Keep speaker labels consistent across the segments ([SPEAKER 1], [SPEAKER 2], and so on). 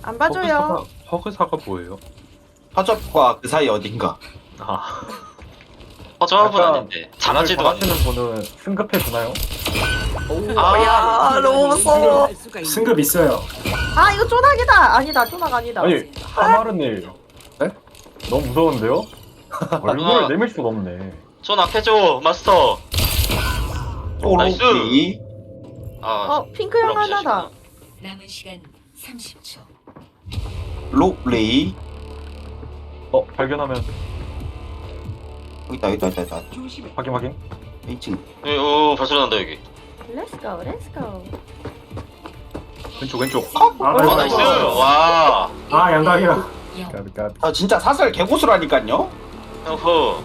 [SPEAKER 1] 안 봐줘요.
[SPEAKER 2] 허그사가 뭐예요?
[SPEAKER 3] 허접과 그 사이 어딘가.
[SPEAKER 2] 아,
[SPEAKER 4] 허접은
[SPEAKER 5] 아까
[SPEAKER 4] 아닌데 잘하지도 않네.
[SPEAKER 5] 하시는 분은 승급해 주나요?
[SPEAKER 1] 야, 너무 무서워.
[SPEAKER 6] 승급 있어요.
[SPEAKER 1] 아, 이거 쪼나기다. 아니다, 쪼나가 아니다.
[SPEAKER 5] 아니 하마르님
[SPEAKER 6] 네?
[SPEAKER 5] 너무 무서운데요? 얼굴을
[SPEAKER 4] 아.
[SPEAKER 5] 내밀 수가 없네.
[SPEAKER 4] 손 앞해줘 마스터. 나이스.
[SPEAKER 3] 또로비.
[SPEAKER 4] 아
[SPEAKER 1] 핑크 형
[SPEAKER 4] 그럼
[SPEAKER 1] 하나다.
[SPEAKER 7] 남은 시간 30초.
[SPEAKER 3] 로레이.
[SPEAKER 5] 발견하면
[SPEAKER 3] 여기다.
[SPEAKER 5] 확인.
[SPEAKER 3] 1층.
[SPEAKER 4] 오 발소리 난다 여기.
[SPEAKER 1] 렛츠고, 렛츠고.
[SPEAKER 2] 왼쪽.
[SPEAKER 4] 어 나이스. 와.
[SPEAKER 6] 아 양각이야.
[SPEAKER 5] 까비 까비.
[SPEAKER 3] 아 진짜 사설 개고수라니까요.
[SPEAKER 4] 어허.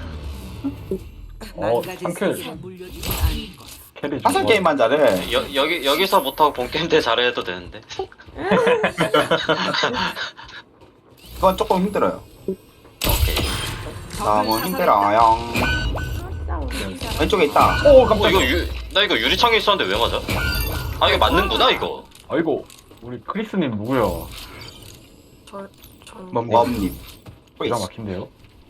[SPEAKER 5] 상쾌 캐리
[SPEAKER 3] 사설
[SPEAKER 5] 좋아.
[SPEAKER 3] 게임만 잘해.
[SPEAKER 4] 여기서 못하고 본 게임 때 잘해도 되는데.
[SPEAKER 3] 그건 조금 힘들어요.
[SPEAKER 4] 오케이.
[SPEAKER 3] 너무 힘들어요. 왼쪽에 있다.
[SPEAKER 5] 오
[SPEAKER 4] 어
[SPEAKER 5] 깜짝이야.
[SPEAKER 4] 나 이거 유리창에 있었는데 왜 맞아? 아 이거 맞는구나 이거.
[SPEAKER 5] 아이고 우리 크리스님 누구야?
[SPEAKER 3] 웜님.
[SPEAKER 5] 기가 막힌데요?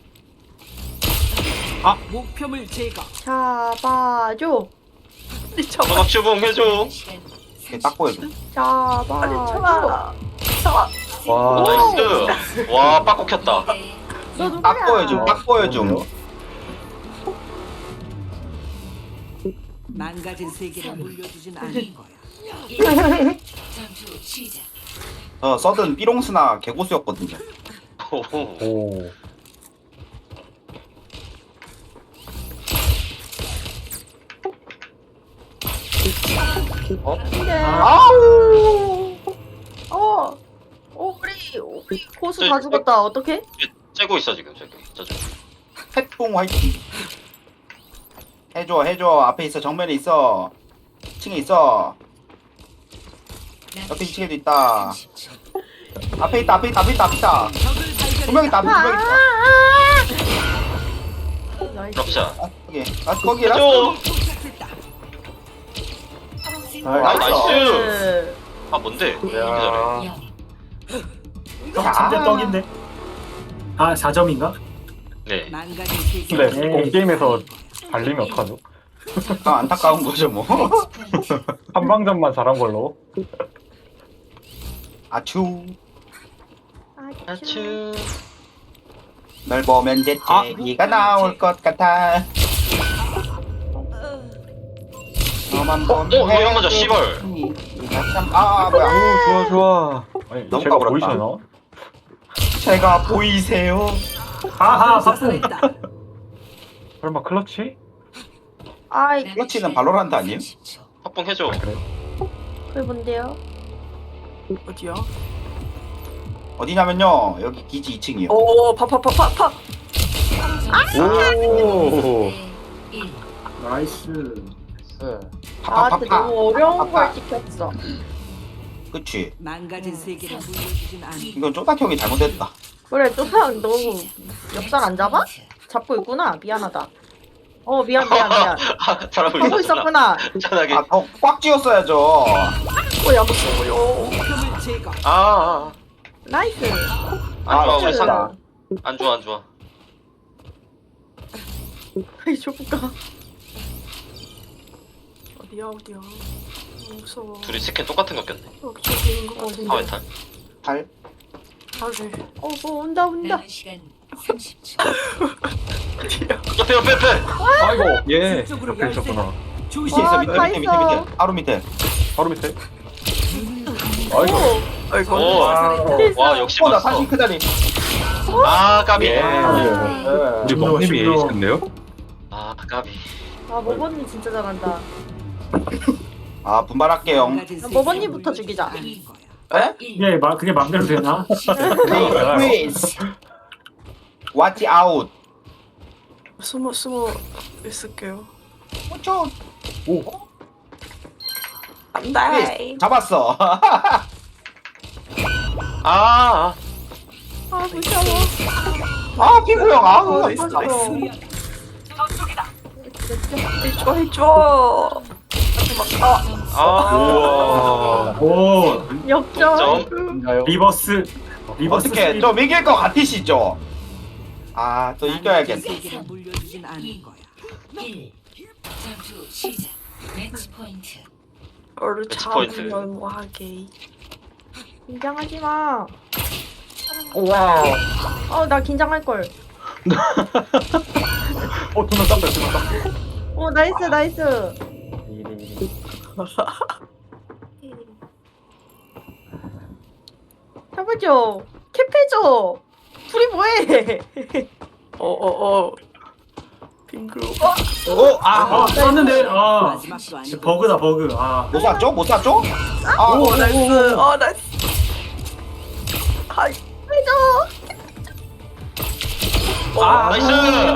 [SPEAKER 8] 목표물 제거.
[SPEAKER 1] 잡아줘.
[SPEAKER 4] 전막 주봉 해줘.
[SPEAKER 3] 딱 보여줘.
[SPEAKER 1] 잡아줘.
[SPEAKER 5] 와.
[SPEAKER 4] 나이스. 와 빠꾸 켰다.
[SPEAKER 1] 너 누구야?
[SPEAKER 3] 딱 보여줘. 딱 보여줘.
[SPEAKER 8] 망가진 세계를 물려주진 않을 거야.
[SPEAKER 7] 전투 시작.
[SPEAKER 3] 서든 삐롱스나 개고수였거든요.
[SPEAKER 4] 오호.
[SPEAKER 5] 오.
[SPEAKER 1] 근데
[SPEAKER 3] 아우.
[SPEAKER 1] 우리 고수 다 죽었다. 어떡해?
[SPEAKER 4] 째고 있어 지금 저쪽.
[SPEAKER 3] 태풍 화이팅. 해줘. 앞에 있어. 정면에 있어. 2층에 있어. 옆에 2층에도 있다. 앞에 있다. 두 명 있다.
[SPEAKER 1] 나이스.
[SPEAKER 4] 럽샷.
[SPEAKER 3] 거기
[SPEAKER 4] 해줘. 아
[SPEAKER 3] 나이스.
[SPEAKER 4] 나이스. 아 뭔데? 이렇게 잘해.
[SPEAKER 2] 야,
[SPEAKER 6] 침대 떡인데. 아 4점인가?
[SPEAKER 4] 네.
[SPEAKER 8] 망가진 세계.
[SPEAKER 5] 근데 게임에서 발리면 어떡하죠?
[SPEAKER 3] 안타까운 거죠 뭐.
[SPEAKER 5] 한방전만 잘한 걸로.
[SPEAKER 3] 아추.
[SPEAKER 4] 아추.
[SPEAKER 3] 널 보면 재채기가 나올 것 같아. 너만 보면
[SPEAKER 4] 이런 거죠, 씨발.
[SPEAKER 3] 뭐야.
[SPEAKER 5] 좋아. 아니
[SPEAKER 3] 너무
[SPEAKER 5] 제가
[SPEAKER 3] 까불었다.
[SPEAKER 5] 보이시나?
[SPEAKER 3] 제가 보이세요?
[SPEAKER 6] 하하 바쁨.
[SPEAKER 5] 설마 클러치?
[SPEAKER 1] 아이,
[SPEAKER 3] 클러치는 발로란트 아니에요?
[SPEAKER 4] 합봉 해줘.
[SPEAKER 5] 그래?
[SPEAKER 1] 그게 뭔데요?
[SPEAKER 8] 어디야?
[SPEAKER 3] 어디냐면요. 여기 기지 2층이요.
[SPEAKER 8] 오 파파파파파.
[SPEAKER 5] 오.
[SPEAKER 6] 나이스.
[SPEAKER 1] 나한테 너무 어려운 걸 시켰어.
[SPEAKER 3] 그치.
[SPEAKER 8] 망가진 세계를 물려주진 않을
[SPEAKER 3] 이건 쪼딱 형이 잘못했다.
[SPEAKER 1] 그래, 쪼상 너무 엽살 안 잡아? 잡고 있구나. 미안하다. 미안.
[SPEAKER 4] 잘하고
[SPEAKER 1] 하고 있었구나.
[SPEAKER 4] 편하게.
[SPEAKER 3] 꽉 쥐었어야죠.
[SPEAKER 1] 야, 무서워요.
[SPEAKER 8] 목표물 제거.
[SPEAKER 1] 나이스.
[SPEAKER 4] 안 좋아 우리
[SPEAKER 1] 나이스.
[SPEAKER 4] 상. 안 좋아.
[SPEAKER 1] 아이, 조금가.
[SPEAKER 8] 어디야? 무서워.
[SPEAKER 4] 둘이 스킨 똑같은 거 꼈네.
[SPEAKER 8] 저기 있는 거 같은데.
[SPEAKER 4] 사회탈.
[SPEAKER 3] 발.
[SPEAKER 1] 뭐 온다.
[SPEAKER 7] 남은 시간 30초.
[SPEAKER 4] 옆에.
[SPEAKER 5] 아이고.
[SPEAKER 2] 예.
[SPEAKER 8] 쪽으로
[SPEAKER 5] 옆에 있었구나.
[SPEAKER 8] 조심.
[SPEAKER 3] 밑에 있어.
[SPEAKER 1] 와,
[SPEAKER 3] 밑에.
[SPEAKER 1] 다 있어.
[SPEAKER 3] 바로 밑에.
[SPEAKER 5] 바로 밑에. 아이고.
[SPEAKER 4] 오. 와 역시
[SPEAKER 3] 나
[SPEAKER 4] 맞어.
[SPEAKER 3] 사실 그 자리.
[SPEAKER 4] 아 까비.
[SPEAKER 2] 예.
[SPEAKER 3] 네.
[SPEAKER 2] 우리 먹님이
[SPEAKER 6] 심로.
[SPEAKER 2] 에이스인데요?
[SPEAKER 4] 아 까비.
[SPEAKER 1] 모버님 진짜 잘한다.
[SPEAKER 3] 분발할게요.
[SPEAKER 1] 머버님부터 죽이자.
[SPEAKER 3] 에?
[SPEAKER 6] 예, 그게 맘대로 되나?
[SPEAKER 3] Please. Watch out.
[SPEAKER 8] 숨어 있을게요.
[SPEAKER 5] 오.
[SPEAKER 3] Please. 잡았어.
[SPEAKER 4] 아.
[SPEAKER 1] 무서워.
[SPEAKER 3] 피구 형.
[SPEAKER 1] 해줘.
[SPEAKER 4] 아,
[SPEAKER 2] 우와.
[SPEAKER 6] 오
[SPEAKER 1] 역전.
[SPEAKER 4] 점.
[SPEAKER 5] 진짜요?
[SPEAKER 6] 리버스
[SPEAKER 3] 어떻게 좀 이길 것 같으시죠? 아 또 이겨야겠네.
[SPEAKER 7] 세계를 물려주진 않을 거야. 1. 전투 시작. 매치 포인트.
[SPEAKER 8] 너를
[SPEAKER 4] 매치 포인트.
[SPEAKER 8] 잡으면 뭐하게.
[SPEAKER 1] 긴장하지 마.
[SPEAKER 3] 와.
[SPEAKER 1] 나 긴장할 걸.
[SPEAKER 5] 두명 땄어요. 두명 땄어요.
[SPEAKER 1] 나이스. 해보죠. 캡해줘. 둘이 뭐해?
[SPEAKER 8] 빙글.
[SPEAKER 6] 쐈는데
[SPEAKER 7] 마지막도 아니고.
[SPEAKER 6] 버그다 버그
[SPEAKER 3] 못 샀죠? 못 샀죠? 아,
[SPEAKER 8] 오 나이스. 나이스. 하이.
[SPEAKER 1] 해줘.
[SPEAKER 4] 나이스.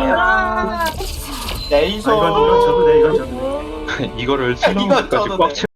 [SPEAKER 1] 아,
[SPEAKER 3] 네이소.
[SPEAKER 6] 이건 저도 돼 이건 저도 돼
[SPEAKER 2] 이거를
[SPEAKER 3] 이거
[SPEAKER 2] 슬로우까지
[SPEAKER 3] 저도
[SPEAKER 2] 꽉
[SPEAKER 3] 돼.
[SPEAKER 2] 채.